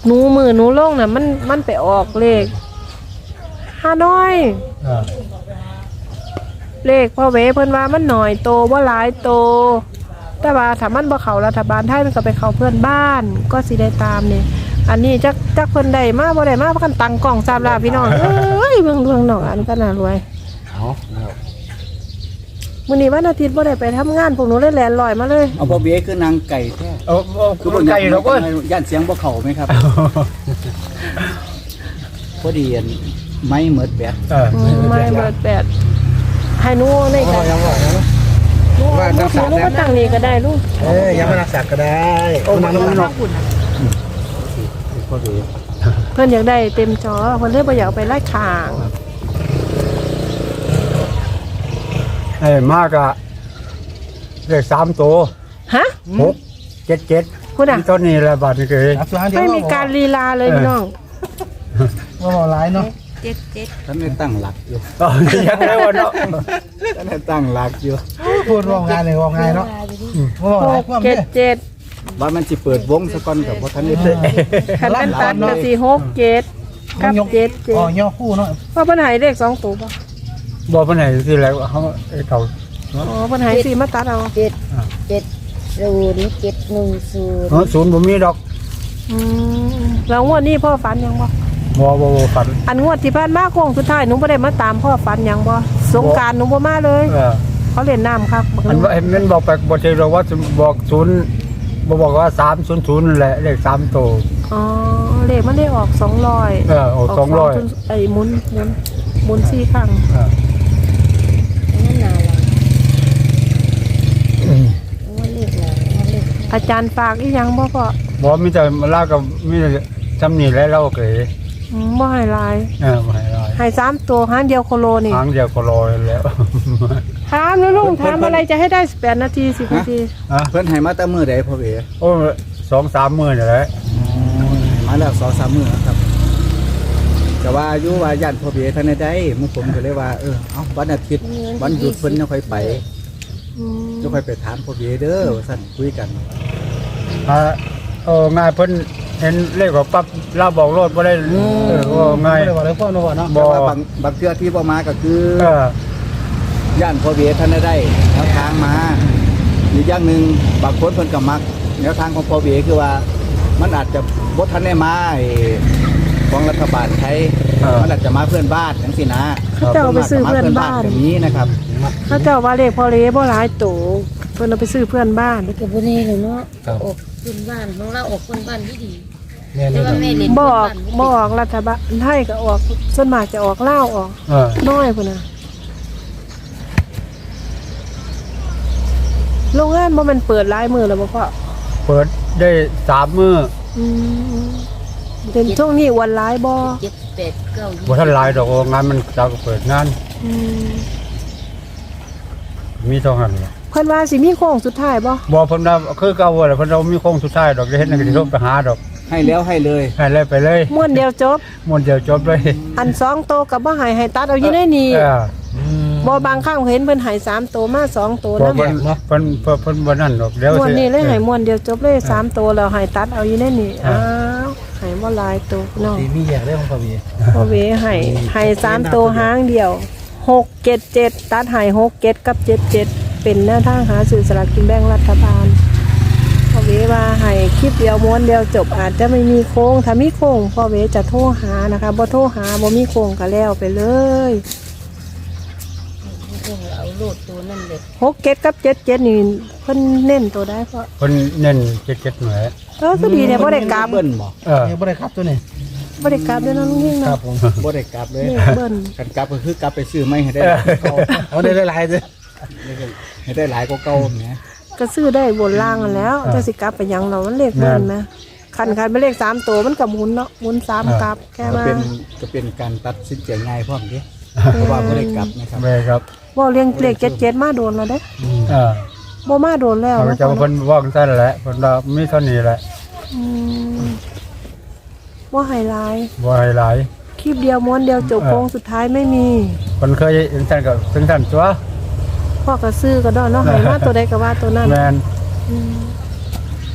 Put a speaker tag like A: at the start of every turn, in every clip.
A: หนูมือหนูลงน่ะมันไปออกเลขห้าน้อยเลขพ่อเวเพิ่นว่ามันหน่อยโตบ่หลายโตแต่ว่าถ้ามันบ่เข้ารัฐบาลไทยมันก็ไปเข้าเพื่อนบ้านก็สิได้ตามนี่อันนี้จักเพิ่นได้มาบ่ได้มาเพราะกันตั้งกล้อง3ลาพี่น้องเอ้ยเบิ่งน้องอันก็น่ารวย
B: เอาแล้ว
A: มื้อนี้วันอาทิตย์บ่ได้ไปทำงานพวกหนูเลยแล่นลอยมาเลย
B: เอาพ่อเบี้ยคือนางไก่แท้
C: คือบ่ไก่เราก็
B: ย่านเสียงบ่เข้าไหมครับพอดีไม้เหมือดแบด
A: ไม่เบิดแปดให้หนูในกัน
C: ยังว่าว่านักสัก
A: ลูกก็ตั้งนี่ก็ได้ลูก
C: ยังไม่นักสักก็ได้โอ้มันนอก
B: พอดี
A: เพิ่นอยากได้เต็มจอเพิ่นเลยบ่อยากไปไล่ข่าง
C: มากอะเลข3ตัว
A: ฮะ
C: 6 7
A: พูดอ่ะ
C: ต้นนี้แหละบาทนี่คือ
A: ไม่มีการลีลาเลยพี่น้อง
C: ว่าบ่หลายเนาะ
B: ท่านได้ตั้งหลักอยู่
C: ยังไงวะเนาะ
B: ท่านได้ตั้งหลักอยู่
C: พูดว่างานเลยว่างานเนาะว่าหลายความเด้
A: 6 7
B: ว่ามันสิเปิดวงซะก่อนกับบ่ทันได้
A: 7คันเป็นตัดก็สิ6 7กับ7
C: อ๋อย่อคู่เนาะ
A: 7เพราะเพิ่นให้เลข2ตัวบ่
C: บ่ปานไหนสิแล้วเฮาเขา
A: อ๋อเพิ่นให้4มาตัดเอา
C: ศูนย์บ่มีดอก
A: แล้วงวดนี้พ่อฝันยังบ่
C: บ่ฝัน
A: อันงวดที่ผ่านมาโค้งสุดท้ายหนูบ่ได้มาตามพ่อฝันยังบ่สงกรานต์หนูบ่มาเลยเขาเล่นน้ำครับ
C: อันว่ามันบอกไปบ่ใช่เราว่าบอก0บ่บอกว่า300นั่นแหละเลข3ตัว
A: อ๋อเลขมันได้ออก200
C: ออก200
A: ไอ้หมุน4ครั้งอาจารย์ฝากอีหยังบ่พ่อ
C: บ่มีแต่ลากับมีแต่จำนี่แล้วเราเกย
A: บ่ให้หลาย
C: บ่ให้ลาย
A: ให้3ตัวหางเดียวโคโลนี่
C: หางเดียวก็รอแล้ว
A: ถามแล้วลุงถามอะไรจะให้ได้18นาที10นาที
B: เพิ่นให้มาแต่มื้อใดพ่อเบี้ย
C: โอ้2-3 มื้อนี่แหละ
B: มาแล้ว 2-3 มื้อครับแต่ว่าอยู่ว่าย่านพ่อเบี้ยท่านได้มื้อผมก็เลยว่าเอ้าวันอาทิตย์วันหยุดเพิ่นจะค่อยไปจะค่อยไปถามพ่อเบี้ยเด้อว่าซั่นคุยกัน
C: ง่ายเพิ่นเห็นเลขว่าปั๊บเราบอกรถบ่ได้ว่าง่าย
B: บ่ได้ว่าอะไรพ่อเนาะเนาะแต่ว่าบางเทื่อที่บ่มาก็คือย่านพ่อเบี้ยท่านได้แนวทางมาอีกอย่างนึงบางคนเพิ่นก็มักแนวทางของพ่อเบี้ยคือว่ามันอาจจะบ่ทันได้มาของรัฐบาลไทยมันอาจจะมาเพื่อนบ้านจังซี่นะ
A: เขาเจ้าไปซื้อเพื่อนบ้าน
B: แบบนี้นะครับ
A: เขาเจ้าว่าเลขพอเลบ่หลายตัวเพิ่นเอาไปซื้อเพื่อนบ้าน
D: ก็บ่แน่เลยเนาะอกขึ้นบ้านของเราออกคนบ้านที่ดีแต่ว่าแม่เล่น
A: บอกรัฐบาลไทยก็ออกส่วนมากจะออกลาวออกน้อยพุ่นน่ะโรงงานบ่แม่นเปิดหลายมื้อแล้วบ่พ่อ
C: เปิดได้3 มื้อ
A: เป็นช่วงนี้วันหลายบ่
D: 7 8 9
C: บ่ทันหลายดอกงานมันจะเปิดงานมีเท่านั้น
A: เพิ่นว่าสิมีโค้งสุดท้ายบ่
C: บ่เพิ่นว่าคือเก่าแหละเพิ่นเรามีโค้งสุดท้ายดอกได้เฮ็ดนั่นก็สิโทรไปหาดอก
B: ให้แล้วให้เลย
C: ให้เลยไปเลย
A: ม้วนเดียวจบ
C: ม้วนเดียวจบเลย
A: อัน2โตวก็บ่ให้ตัดเอาอยู่ในนี้บ่บางครั้งเห็นเพิ่นให้3โตวมา2โตวนำ
C: เพิ่นบ่นั่นดอกเดี๋ยว
A: ม้วนนี้เลยให้ม้วนเดียวจบเลย3โตวแล้วให้ตัดเอาอยู่ในนี้อ้าวให้บ่หลายโตวน้อง
C: มีแยกได้ของพ่อพี่
A: พ่อเวให้3โตวหางเดียว6 7 7ตัดให้6 7กับ7 7เป็นแนวทางหาซื้อสลากกินแบ่งรัฐบาลพ่อเวว่าให้คลิปเดียวม้วนเดียวจบอาจจะไม่มีโค้งถ้ามีโค้งพ่อเวจะโทรหานะคะบ่โทรหาบ่มีโค้งก็แล้วไปเลย
D: เอาโลดตัวนั่นเลย
A: 6 7กับ7 7นี่เพิ่นเน้นตัวได้เพราะ
C: เพิ่นเน้น7-7หน่อย
A: ก็ดีเนี่ยบ่ได้กลับ
B: เบิ้ลบ่
C: บ่ได้ครับตัวนี้
A: บ่ได้กลับเด้อน้องลุงยิ่ง
C: ครั
A: เนาะ
C: บผม
B: บ่ได้กลับเลย
A: เลขเบิ้ล
B: กันกลับก็คือกลับไปซื้อไม่ให้ได้เอาได้หลายเด้อให้ได้หลายกว่าเก่าแหม
A: ก็ซื้อได้บนล่างกันแล้วจะสิกลับไปหยังเรามันเลขเบิ้ลนะคันไปเลข3ตัวมันก็หมุนเนาะหมุน3กลับแค่มา
B: ก็เป็นการตัดสินใจง่ายพร้อมเด้เพราะว่าบ่ได้กลับนะครับ
C: แม่ครับ
A: บ่เรียงเลข77มาโดนแล้วเด้ บ่มาโดนแล้ว
C: เขาจะเพิ่นว่าจังซั่นแหละเพิ่นว่ามีเท่านี้แหละ
A: บ่ไฮไลท์
C: บ่ให้หลาย
A: คลิปเดียวม้วนเดียวจบโค้งสุดท้ายไม่มี
C: เพิ่นเคยจังซั่นก็จังซั่นตัว
A: พ่อก็ซื้อก็ดอนเนาะให้มาตัวใดก็ว่าตัวนั้น
C: แม่น
D: ค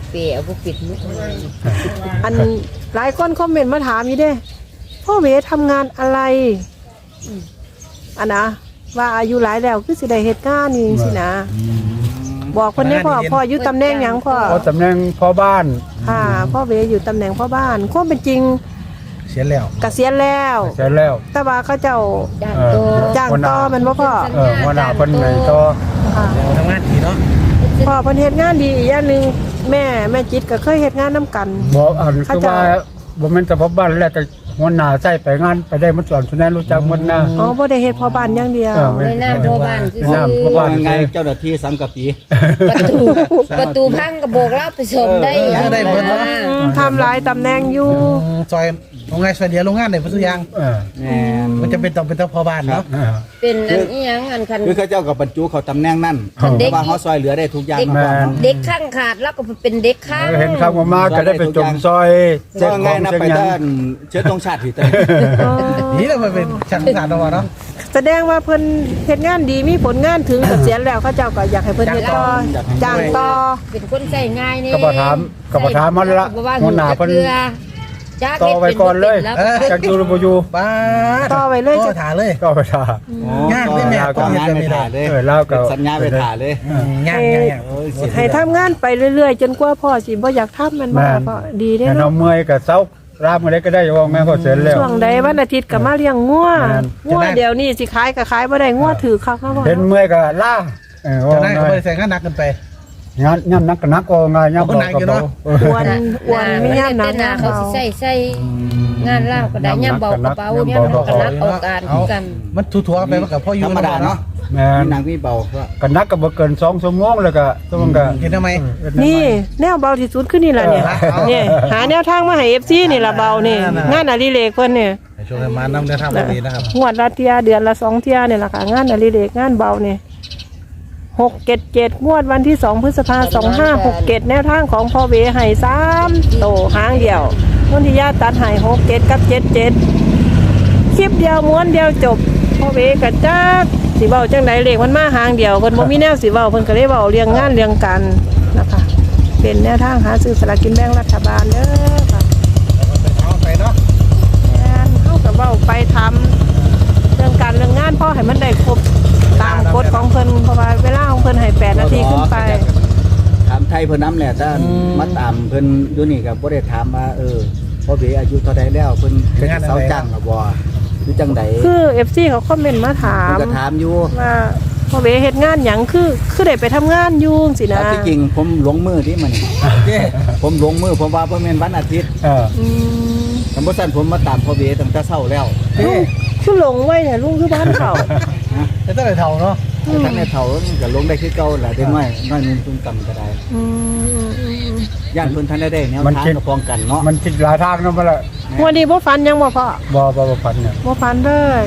D: เปย์เอาบ่ปิดมุกเลย
A: อันหลายคนคอมเมนต์มาถามอยู่เด้พ่อเวทำงานอะไรอันนะว่าอายุหลายแล้วคือสิได้เหตุการณ์นี่สินะบอกคนนี้พ่ออยู่ตำแหน่งหยังพ่อ
C: ตำแหน่งพ่อบ้าน
A: ค่ะพ่อเวอยู่ตำแหน่งพ่อบ้านความเป็นจริง
E: เสียแล้ว
A: เกษียณแล้ว
C: เสร็จแล้ว
A: แต่ว่าเขาเจ้า
D: ด้านโต
A: จ้างต่อแมันบ่พ่อ
C: หัวหน้าเพิ่นไงต่อ
A: ค่ะ
E: ทำงานดีเนาะ
A: พ่อเพิ่นเฮ็ดงานดีอีกอย่างหนึงแม่จิตก็เคยเฮ็ดงานนํกัน
C: บ่อันคือว่าบ่แม่นแต่พ่อบ้านแล้วแต่หัวหน้าใส่ไปงานไปได้หมดส่วนสุนันรู้จักหมดนะ
A: อ๋อบ่ได้เฮ็ดพ่อบ้านอย่างเดียว
D: ในหน้าพ่อบ้านคือ
B: เพราะว่าไงเจ้าหน้าที่สังกะปี
D: ประตูพังก็โบกรับไปชมได้
E: ได้เบิดเนาะ
A: ทำหลายตำแหน่งอยู่
E: ซอยโรงงานซอยเดียวโรงงานได้เพิ่นทุกอย่าง
B: แม่น
E: มันจะเป็นต้องเป็นเจ้าพ่อบ้านเนาะ
D: เป็นอันอีหยังอันคัน
B: คือเขาเจ้ากับบรรจุเขาตำแหน่งนั่น
D: เด็ก
B: ว่าเขาซอยเหลือได้ทุกอย่าง
D: เด็ก
B: มาก่อนเนาะ
D: เด็กข้างขาดแล้วก็เป็นเด็กข้าง
C: เห็นข้างมาก็ได้ไปจมซอย
B: ก็
C: ขอ
B: ง่าย
C: ง
B: นะ
C: เชียง
B: ไป
C: ยั
B: ด้าน นเชื้อตรงชาติที่ตะ
E: นี่เราเป็นช่างสารเนาะ
A: แสดงว่าเพิ่นเฮ็ดงานดีมีผลงานถึงเกษียณแล้วเขาเจ้าก็อยากให้เพิ่นเฮ็ดต่อจ้างต่อ
D: เป็นคนใส่ง่ายนี่
C: ก็บ่ถามมันละหัวหน้าเพิ่น ต่อไว้ก่อนเลยจักอยู่หรือบ่อยู่
E: ป้า
A: ต่อไว้เลย
E: ต่อถาเลย
C: ก็ไปท่า
E: งานได้แม่
B: ก็งานไปถ่าเลย
C: แล้วก็
B: สัญญาไปถ่าเลย
E: งาน
A: ให้ทำงานไปเรื่อยๆ จนกว่าพ่อสิบ่อยากทำมันบ่พ่อดีเด้
C: แต่เรา
A: เนาะ
C: เมื่อยก็เซารามอะไรก็ได้ว่าแม่ก็เสร็จแล้ว
A: ช่วงใดวันอาทิตย์ก็มาเลี้ยงงัว
C: แม่น
A: งัวเดี๋ยวนี้สิขายก็ขายบ่ได้งัวถือคักเนาะพ่อ
C: เห็นเมื่อยก็ล่า
E: จะได้ก็บ่ได้ใส่งานหนักเกินไป
C: งานย่ำนักก็นักก็งานย่ำเบาก็เบา
A: อ้วนมียามหนัก
D: หน้าเขาสิใส่งานลาวก็ได้ย่ำเบากระเป๋าย่ำก็นักเอาการกัน
E: มันทั่วๆไปมันกับพ่ออยู่
B: ธรรมดาเนาะ
C: แม่
B: มีนางมีเบาก็
C: ก็นักก็บ่เกิน2 ชั่วโมงแล้วก็ต้องก็
E: เห็นทำไม
A: นี่แนวเบาที่สุดคือนี่ล่ะเนี่ยนี่หาแนวทางมาให้ FC นี่ล่ะเบานี่งานอดิเรกเพิ่นนี่
E: ช่วงมานำเดินทางแบบนี้นะครับ
A: งวดละเที่ยเดือนละ2เที่ยนี่ล่ะค่ะงานอดิเรกงานเบานี่677งวดวันที่2พฤษภาคม2567แนวทางของพ่อเวให้3โตหางเดียวนนทิยาตัดให้67กับ77คลิปเดียวม้วนเดียวจบพ่อเวก็จักสิเว้าจังได๋เลขมันมาหางเดียวเพิ่นบ่มีแนวสิเว้าเพิ่นก็เลยเว้าเรียงงานเรียงกันนะคะเป็นแนวทางหาซื้อสลากกินแบ่งรัฐบาลเด้อค่ะ
E: เอาไปเนาะ
A: งานเฮาก็เว้าไปทำเรื่องการเรื่องงานพ่อให้มันได้ครบตามกฎของเพิ่นเพราะว่าเวลาของเพิ่นให้8นาทีขึ้นไป
B: ถามไทยเพิ่นน้ำแหละถ้ามาตามเพิ่นอยู่นี่ก็บ่ได้ถามว่าพ่อเบอายุเท่าใดแล้วเพิ่นเป็นเสาจ้างหรือบ่อยู่จังใด
A: คือ FC เขาคอมเมนต์มาถา
B: เพิ่
A: ม
B: นก็ถามอยู่
A: ว่าพ่อเวเฮ็ดงานหยังคือได้ไปทำงานอยู่สินะ
B: ที่จริงผมหลงมือที่มันผมหลงมือผมว่าบ่แม่นวันอาทิตย์
A: อืม
B: สมมุติซั่นผมมาตามพ่อเบตั้งแต่เช้าแล้ว
A: ลุงคือหลงไว้เนี่ยลุงคือบ้านเขา
E: แต่ตั้งแต่เท่าเนาะ
B: ทั้งในเฒ่าก็ลงได้คือเก่าแหละได้น้อยนุ่มตุ้มต่ำก็ได้
A: อืม
B: ย่านเพิ่นทันได้แนวทางก็ป้องกันเนาะ
C: มันคิดหลายทางเนาะบ่ล่ะ
A: วันนี้บ่ฟันยังบ่พ่อ
C: บ่ฝันเนี่ย
A: บ่ฟันเลย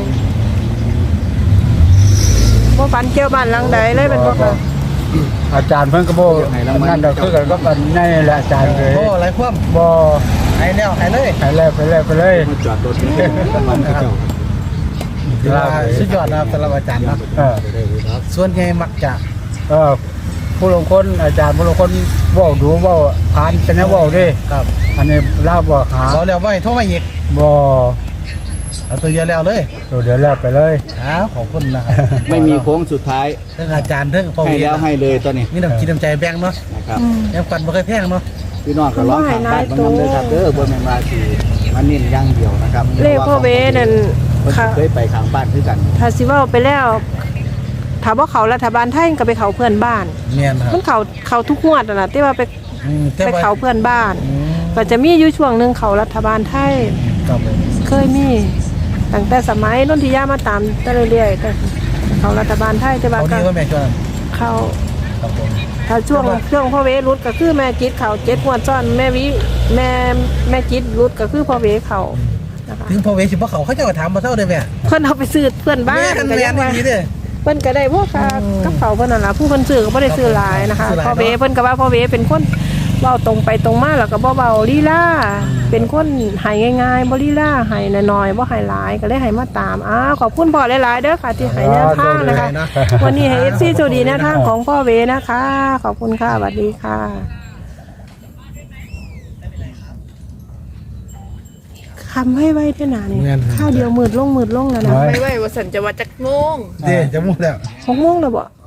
A: บ่ฟันเกี่ยวบ้านหลังใดเลยเป็นบ่ค่ะ
C: อาจารย์เพิ่นก็บ่นั่นดอกคือกันก็อันนี้แหละอาจารย์เลย
E: โอ้ไรคว่
C: บ่
E: ำหายแล้วหายเลย
C: ไปเลย
B: มาจอดรถนี่มันก็เจ้า
E: สุดยอดนะครับสำหรับอาจารย์เนาะ
B: ได้เลยครับ
E: ส่วนใหญ่มักจะ
C: ผู้ลงคนอาจารย์ผู้ลงคนเว้าดูเว้าผ่านแต่แนวเว้าเด้
E: ครับ
C: อันนี้ลาวบ่หา
E: เราแล้วไว้โทรมาอีก
C: บ่
E: เอาตัวเดียวแล้วเลย
C: เดี๋ยวแล้วไปเลย
E: ขอบคุณนะครับ
B: ไม่มีโค้งสุดท้าย
E: เรื่องอาจารย์เรื่องพ่อ
B: ให้
E: วี
B: แล้วให้เลยตัวนี้
E: มีน้ำจิตน้ำใจแบ่งเนาะ
B: นะครับ
E: ยังกันบ่เคยแพงเนาะ
B: พี่น้องก็ร้องทางบ้านบางน้ำเลยครับบนแมงลาสีมันนิ่นอย่างเดียวนะครับ
A: เลขพ่อเวนั่น
B: ค่ะเคยไปข้างบ้านคือกัน
A: ถ้าสิเว้าไปแล้วถ้าบ่เขารัฐบาลไทยก็ไปเขาเพื่อนบ้าน
E: เมียนครับ
A: มันเขาทุกงวดนั่นน่ะที่ว่าไป
E: แต่
A: ไป
E: ว่า
A: เขาเพื่อนบ้าน ก็จะมีอยู่ช่วงหนึงเขารัฐบาลไทย
E: ครับผม
A: เคยมีตั้งแต่สมัยนนทิยามาตามแต่เรื่อยๆแต่เขารัฐบาลไทยแต่ว่า
E: เขา
A: ก็
E: ดีว่าแม่ชวน
A: เขา
E: ครับผม
A: ถ้าช่วงพ่อเวรุดก็คือแม่จิตเขา7งวดซ้อนแม่วิแม่จิตรุดก็คือพ่อเวเขานะคะ
E: ถึงพ่อเวสิบ่เขาจะมาถามมาเท่าได้แม่
A: เพิ่นเอาไปซื้อเพื่อนบ้าน
E: แม่
A: ก็
E: แม่
A: ยังว่า
E: ดีเด้อ
A: เพิ่นก็ได้พวกกับเขาเพิ่นนั่นล่ะผู้เพิ่นซื้อก็บ่ได้ซื้อหลายนะคะ
E: ซื้อหลาย
A: พ่อเวเพิ่นก็ว่าพ่อเวเป็นคนเว้าตรงไปตรงมาแล้วก็บ่เว้าลีลาเป็นคนให้ง่ายๆบ่ลีลาให้น้อยๆบ่ให้หลายก็เลยให้มาตามขอบคุณพ่อหลายๆเด้อค่ะที่ให้แนวทางนะคะ วันนี้ให้ FC โชคดีแนวทางของพ่อเวนะคะ ขอบคุณค่ะสวัสดีค่ะคำให้ไว้เท่านานี่
E: แม่น
A: ข้าวเดียวมืดลงแล้วนะ
C: ไว้
F: ไม่ไหวว่าสันจะว่าจักโมง
E: เดี๋ยวจะมุ่งแล้ว
A: 6 โมงแล้วบ่